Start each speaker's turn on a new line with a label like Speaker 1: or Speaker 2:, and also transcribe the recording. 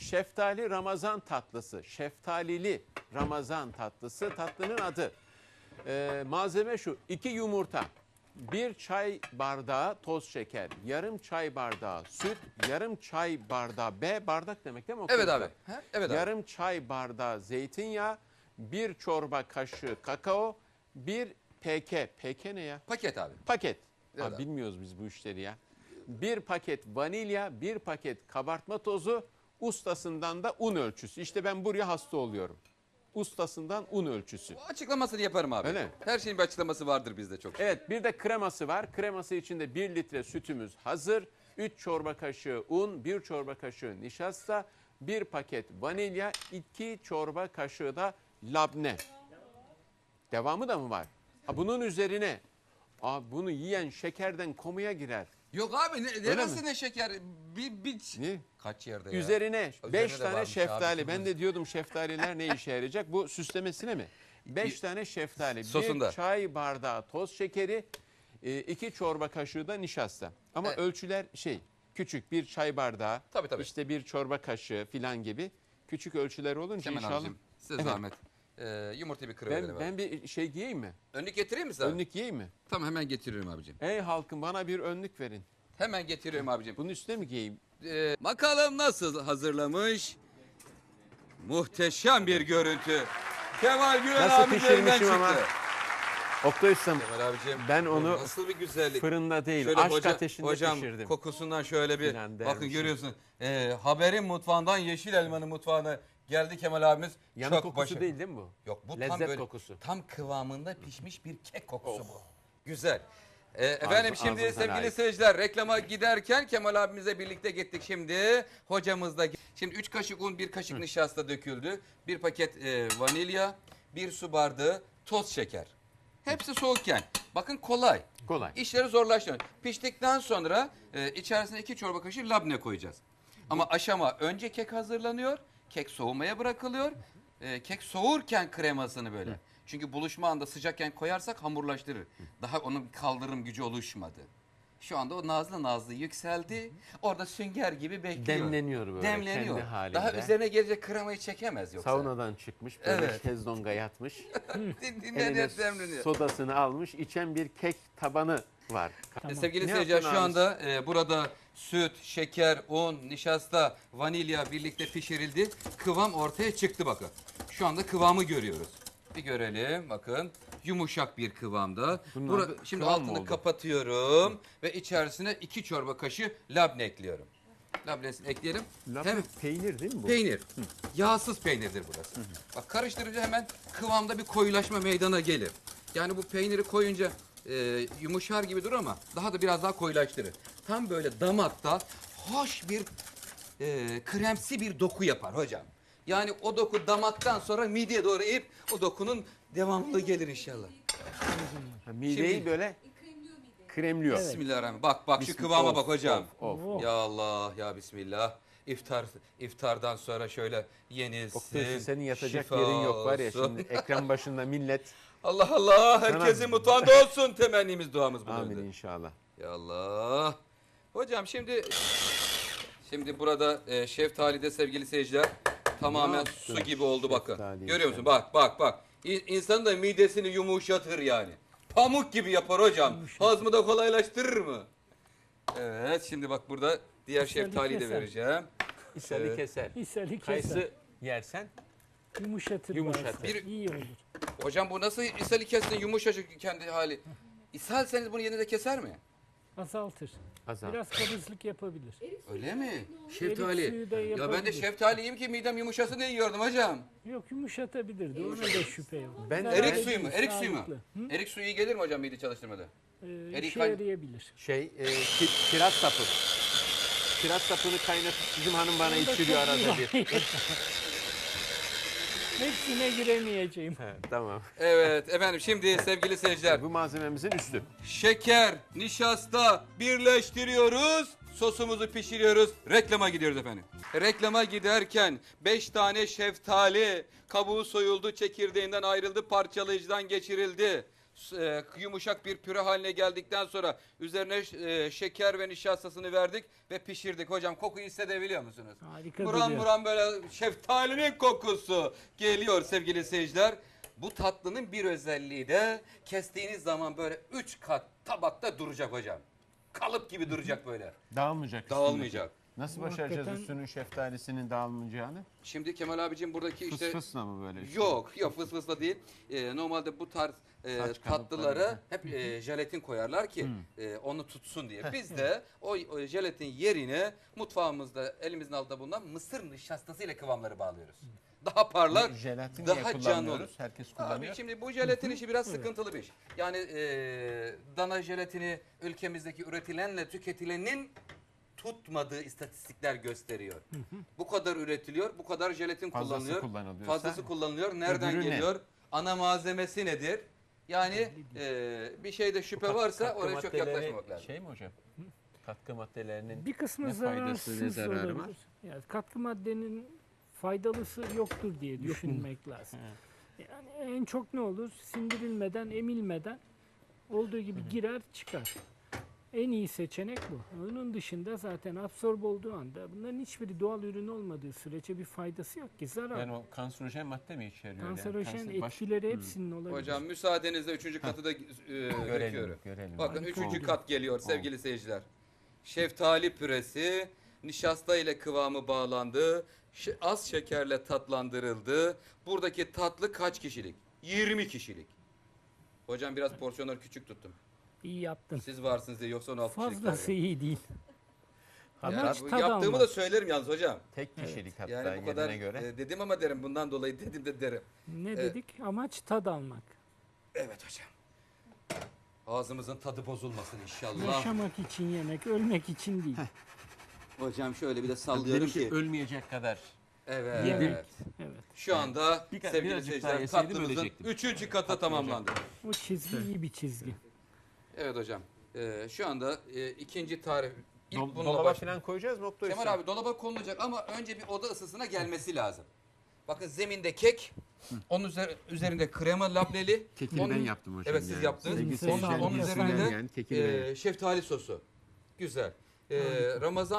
Speaker 1: şeftali Ramazan tatlısı. Şeftalili Ramazan tatlısı. Tatlının adı. Malzeme şu: 2 yumurta, 1 çay bardağı toz şeker, yarım çay bardağı süt, yarım çay bardağı bardak demek değil mi?
Speaker 2: Evet abi. Evet abi.
Speaker 1: Yarım çay bardağı zeytinyağı, 1 çorba kaşığı kakao, 1 PK ne ya?
Speaker 2: Paket abi.
Speaker 1: Paket.
Speaker 2: Evet abi.
Speaker 1: Bilmiyoruz biz bu işleri ya. 1 paket vanilya, 1 paket kabartma tozu, ustasından da un ölçüsü. İşte ben buraya hasta oluyorum. Ustasından un ölçüsü.
Speaker 2: Açıklamasını yaparım abi.
Speaker 1: Öyle mi?
Speaker 2: Her şeyin bir açıklaması vardır bizde çok.
Speaker 1: Evet, bir de kreması var. Kreması için de 1 litre sütümüz hazır. 3 çorba kaşığı un, 1 çorba kaşığı nişasta, 1 paket vanilya, 2 çorba kaşığı da labne. Devamı da mı var? Bunun üzerine bunu yiyen şekerden komaya girer.
Speaker 2: Yok abi nasıl ne şeker?
Speaker 1: Ne?
Speaker 2: Kaç yerde ya?
Speaker 1: Üzerine 5
Speaker 2: de
Speaker 1: tane
Speaker 2: varmış
Speaker 1: şeftali.
Speaker 2: abi.
Speaker 1: Ben de diyordum şeftaliler ne işe yarayacak? Bu süslemesine mi? 5 tane şeftali,
Speaker 2: Sosunda.
Speaker 1: 1 çay bardağı toz şekeri, 2 çorba kaşığı da nişasta. Ama ölçüler küçük, 1 çay bardağı,
Speaker 2: Tabii.
Speaker 1: işte 1 çorba kaşığı filan gibi küçük ölçüler olunca
Speaker 2: Kemal
Speaker 1: inşallah.
Speaker 2: abicim size zahmet. Yumurtayı bir kırıverelim abi.
Speaker 1: Ben bir şey giyeyim mi?
Speaker 2: Önlük getireyim mi sana?
Speaker 1: Önlük giyeyim mi?
Speaker 2: Tamam hemen getiriyorum abicim.
Speaker 1: Ey halkım, bana bir önlük verin.
Speaker 2: Hemen getiriyorum abicim.
Speaker 1: Bunun üstüne mi giyeyim?
Speaker 2: Bakalım nasıl hazırlamış? Muhteşem bir görüntü. Kemal Güven
Speaker 1: Nasıl
Speaker 2: abinin elinden
Speaker 1: pişirmişim
Speaker 2: çıktı.
Speaker 1: ama. Oktay Ustam,
Speaker 2: Kemal abicim.
Speaker 1: ben onu
Speaker 2: nasıl bir güzellik.
Speaker 1: fırında değil,
Speaker 2: Şöyle
Speaker 1: aşk ateşinde
Speaker 2: hocam,
Speaker 1: pişirdim.
Speaker 2: kokusundan şöyle bir
Speaker 1: Filan
Speaker 2: bakın
Speaker 1: dermişim.
Speaker 2: görüyorsun. Haberin mutfağından Yeşil Elman'ın mutfağına geldi Kemal abimiz.
Speaker 1: Yanık
Speaker 2: Çok
Speaker 1: kokusu
Speaker 2: başarılı.
Speaker 1: değil mi bu?
Speaker 2: Yok bu tam
Speaker 1: Lezzet
Speaker 2: böyle
Speaker 1: kokusu.
Speaker 2: tam kıvamında pişmiş bir kek kokusu bu. Güzel. Efendim şimdi
Speaker 1: ağzınıza
Speaker 2: sevgili
Speaker 1: layık.
Speaker 2: seyirciler reklama giderken Kemal abimizle birlikte gittik şimdi. Hocamız da şimdi 3 kaşık un 1 kaşık nişasta döküldü. 1 paket vanilya 1 su bardağı toz şeker. Hepsi soğukken. Bakın kolay.
Speaker 1: Kolay.
Speaker 2: İşleri zorlaştırıyor. Piştikten sonra içerisine 2 çorba kaşığı labne koyacağız. Ama aşama önce kek hazırlanıyor. Kek soğumaya bırakılıyor. Kek soğurken kremasını böyle. Çünkü buluşma anda sıcakken koyarsak hamurlaştırır. Daha onun kaldırım gücü oluşmadı. Şu anda o nazlı yükseldi. Orada sünger gibi bekliyor.
Speaker 1: Demleniyor böyle
Speaker 2: Demleniyor.
Speaker 1: kendi halinde.
Speaker 2: Daha üzerine gelecek kremayı çekemez yoksa.
Speaker 1: Saunadan çıkmış, böyle
Speaker 2: Evet.
Speaker 1: şezlonga yatmış. Eline
Speaker 2: Dinle demleniyor.
Speaker 1: sodasını almış, içen bir kek tabanı var.
Speaker 2: Sevgili
Speaker 1: Ne
Speaker 2: seyirciler
Speaker 1: yaptın
Speaker 2: şu
Speaker 1: abi?
Speaker 2: anda burada süt, şeker, un, nişasta, vanilya birlikte pişirildi. Kıvam ortaya çıktı bakın. Şu anda kıvamı görüyoruz. Bir görelim bakın. Yumuşak bir kıvamda.
Speaker 1: Bunun adı
Speaker 2: Şimdi
Speaker 1: kıvam mı
Speaker 2: altını
Speaker 1: oldu?
Speaker 2: kapatıyorum ve içerisine 2 çorba kaşığı labne ekliyorum. Labnesini ekleyelim.
Speaker 1: Labne
Speaker 2: Hem
Speaker 1: peynir değil mi bu?
Speaker 2: peynir. Yağsız peynirdir burası. Bak karıştırınca hemen kıvamda bir koyulaşma meydana gelir. Yani bu peyniri koyunca yumuşar gibi durur ama daha da biraz daha koyulaştırır. Tam böyle damakta hoş bir kremsi bir doku yapar hocam. Yani o doku damaktan sonra mideye doğru eğip o dokunun devamlılığı gelir inşallah.
Speaker 1: Mideyi
Speaker 2: Şimdi-
Speaker 1: böyle kremliyor.
Speaker 2: Bismillahirrahmanirrahim. Bak şu
Speaker 1: Bismillah.
Speaker 2: kıvama
Speaker 1: Of,
Speaker 2: bak hocam.
Speaker 1: of.
Speaker 2: Ya Allah ya Bismillah. İftardan sonra şöyle yenilsin.
Speaker 1: Oktay, senin yatacak
Speaker 2: şifa
Speaker 1: yerin yok var ya,
Speaker 2: olsun.
Speaker 1: şimdi ekran başında millet.
Speaker 2: Allah Allah herkesin mutfağında olsun temennimiz duamız bu
Speaker 1: Amin
Speaker 2: yönde.
Speaker 1: inşallah.
Speaker 2: Ya Allah. Hocam şimdi burada şeftalide sevgili seyirciler tamamen
Speaker 1: yaptın
Speaker 2: su gibi oldu bakın.
Speaker 1: şeftaliyi
Speaker 2: Görüyor musun?
Speaker 1: sen?
Speaker 2: Bak. İnsanın da midesini yumuşatır yani. Pamuk gibi yapar hocam. Hazmı da kolaylaştırır mı? Evet şimdi bak burada diğer şeftaliyi de
Speaker 3: keser.
Speaker 2: vereceğim.
Speaker 1: İshali
Speaker 2: Evet.
Speaker 1: keser.
Speaker 3: İshali keser.
Speaker 1: Kayısı yersen
Speaker 3: Yumuşatır.
Speaker 1: Yumuşatır.
Speaker 3: bağırsak, İyi olur.
Speaker 2: Hocam bu nasıl ishali kessin yumuşacık kendi hali. İshalseniz bunu yerine de keser mi?
Speaker 3: Azaltır.
Speaker 1: azal.
Speaker 3: Biraz kabızlık yapabilir.
Speaker 2: Öyle mi?
Speaker 3: Erik
Speaker 2: Şeftali.
Speaker 3: suyu da
Speaker 2: Ya ben de
Speaker 3: yapabilir.
Speaker 2: şeftali yiyeyim ki midem yumuşasın diye yiyordum hocam.
Speaker 3: Yok yumuşatabilirdi. Ona da şüphe yok.
Speaker 1: Ben
Speaker 3: Zaten
Speaker 2: Erik suyu mu?
Speaker 3: değil,
Speaker 2: Erik suyu mu?
Speaker 3: sağlıklı. Hı?
Speaker 2: Erik suyu iyi gelir mi hocam mide çalıştırmada? Erik
Speaker 3: İşe
Speaker 2: kay-
Speaker 3: yarayabilir.
Speaker 1: Kiraz sapı. Kiraz sapını kaynatıp bizim hanım bana içiriyor arada bir.
Speaker 3: Hepsine giremeyeceğim.
Speaker 1: He, tamam.
Speaker 2: Evet efendim şimdi sevgili seyirciler
Speaker 1: Bu malzememizin üstü.
Speaker 2: şeker, nişasta birleştiriyoruz. Sosumuzu pişiriyoruz. Reklama gidiyoruz efendim. Reklama giderken 5 tane şeftali kabuğu soyuldu, çekirdeğinden ayrıldı, parçalayıcıdan geçirildi. Yumuşak bir püre haline geldikten sonra üzerine şeker ve nişastasını verdik ve pişirdik. Hocam kokuyu hissedebiliyor musunuz?
Speaker 3: Harika
Speaker 2: Muran
Speaker 3: duruyor.
Speaker 2: muran böyle şeftalinin kokusu geliyor sevgili seyirciler. Bu tatlının bir özelliği de kestiğiniz zaman böyle 3 kat tabakta duracak hocam. Kalıp gibi duracak böyle.
Speaker 1: Dağılmayacak. üstünde.
Speaker 2: Dağılmayacak.
Speaker 1: Nasıl
Speaker 3: Bu
Speaker 1: başaracağız
Speaker 3: hakikaten-
Speaker 1: üstünün şeftalisinin dağılmayacağını?
Speaker 2: Şimdi Kemal abicim buradaki işte
Speaker 1: Fısfısla mı böyle? işte?
Speaker 2: yok fıs fısla değil. Normalde bu tarz
Speaker 1: Saç
Speaker 2: tatlılara
Speaker 1: kalıpları.
Speaker 2: hep jelatin koyarlar ki onu tutsun diye. Biz de o jelatin yerine mutfağımızda elimizin altında bulunan mısır nişastasıyla kıvamları bağlıyoruz. Daha parlak,
Speaker 1: Jelatin niye
Speaker 2: daha canlı olur.
Speaker 1: kullanmıyoruz? Herkes kullanıyor.
Speaker 2: Abi şimdi bu jelatin işi biraz sıkıntılı bir iş. Yani dana jelatini ülkemizdeki üretilenle tüketilenin tutmadığı istatistikler gösteriyor. Bu kadar üretiliyor, bu kadar jelatin
Speaker 1: Fazlası
Speaker 2: kullanılıyor.
Speaker 1: kullanılıyorsa,
Speaker 2: Fazlası kullanılıyor. Nereden
Speaker 1: öbürü ne?
Speaker 2: geliyor? Ana malzemesi nedir? Yani bir şeyde şüphe varsa
Speaker 1: Katkı
Speaker 2: oraya çok
Speaker 1: maddeleri
Speaker 2: yaklaşmamak lazım.
Speaker 1: Şey mi hocam? Katkı maddelerinin
Speaker 3: Bir kısmı
Speaker 1: ne faydası, ne
Speaker 3: zararsız
Speaker 1: zararı var?
Speaker 3: olabilir. Yani katkı maddenin faydalısı yoktur diye düşünmek lazım. Yani en çok ne olur? Sindirilmeden, emilmeden olduğu gibi girer çıkar. En iyi seçenek bu. Onun dışında zaten absorbe olduğu anda bunların hiçbiri doğal ürün olmadığı sürece bir faydası yok ki. Zarar.
Speaker 1: yani o kanserojen madde mi içeriyor?
Speaker 3: Kanserojen
Speaker 1: Kanser- baş-
Speaker 3: etkileri hepsinin olabilir.
Speaker 2: Hocam müsaadenizle 3. katı da döküyorum.
Speaker 1: görelim.
Speaker 2: Bakın
Speaker 3: Harika
Speaker 2: 3.
Speaker 3: oldu.
Speaker 2: kat geliyor sevgili seyirciler. Şeftali püresi nişasta ile kıvamı bağlandı. Az şekerle tatlandırıldı. Buradaki tatlı kaç kişilik? 20 kişilik. Hocam biraz porsiyonları küçük tuttum.
Speaker 3: İyi yaptın.
Speaker 2: Siz varsınız diye yoksa 16 kişilik.
Speaker 3: Fazlası iyi değil.
Speaker 2: Yani
Speaker 3: Amaç
Speaker 2: bu
Speaker 3: tad
Speaker 2: yaptığımı
Speaker 3: almak.
Speaker 2: da söylerim yalnız hocam.
Speaker 1: Tek kişilik hatta
Speaker 2: Yani bu
Speaker 1: yerine
Speaker 2: kadar
Speaker 1: göre.
Speaker 2: dedim ama derim bundan dolayı dedim de derim.
Speaker 3: Ne dedik? Amaç tad almak.
Speaker 2: Evet hocam. Ağzımızın tadı bozulmasın inşallah.
Speaker 3: Yaşamak için yemek, ölmek için değil.
Speaker 2: Hocam şöyle bir de sallıyorum
Speaker 1: Benimki
Speaker 2: ki.
Speaker 1: ölmeyecek kadar.
Speaker 2: Evet.
Speaker 3: Yemek. Evet.
Speaker 2: Şu anda
Speaker 1: Birazcık
Speaker 2: sevgili
Speaker 1: daha
Speaker 2: seyirciler
Speaker 1: yeseydim
Speaker 2: tatlımızın
Speaker 1: ölecektim.
Speaker 2: 3. katı tamamlandı.
Speaker 3: O çizgi iyi bir çizgi.
Speaker 2: Evet hocam. Şu anda ikinci tarif. İlk bununla
Speaker 1: Dolaba
Speaker 2: baş...
Speaker 1: falan koyacağız mı Oktay
Speaker 2: Kemal
Speaker 1: Usta?
Speaker 2: abi dolaba konulacak ama önce bir oda ısısına gelmesi lazım. Bakın zeminde kek, onun üzerinde krema lableli.
Speaker 1: Kekini
Speaker 2: onun-
Speaker 1: ben yaptım hocam.
Speaker 2: Evet siz yaptınız.
Speaker 1: Sevgili
Speaker 3: Onun
Speaker 1: seyirciler,
Speaker 3: üzerine
Speaker 1: bilsin
Speaker 3: de,
Speaker 1: yani, kekini ben yaptım.
Speaker 2: şeftali sosu. Güzel. Ramazan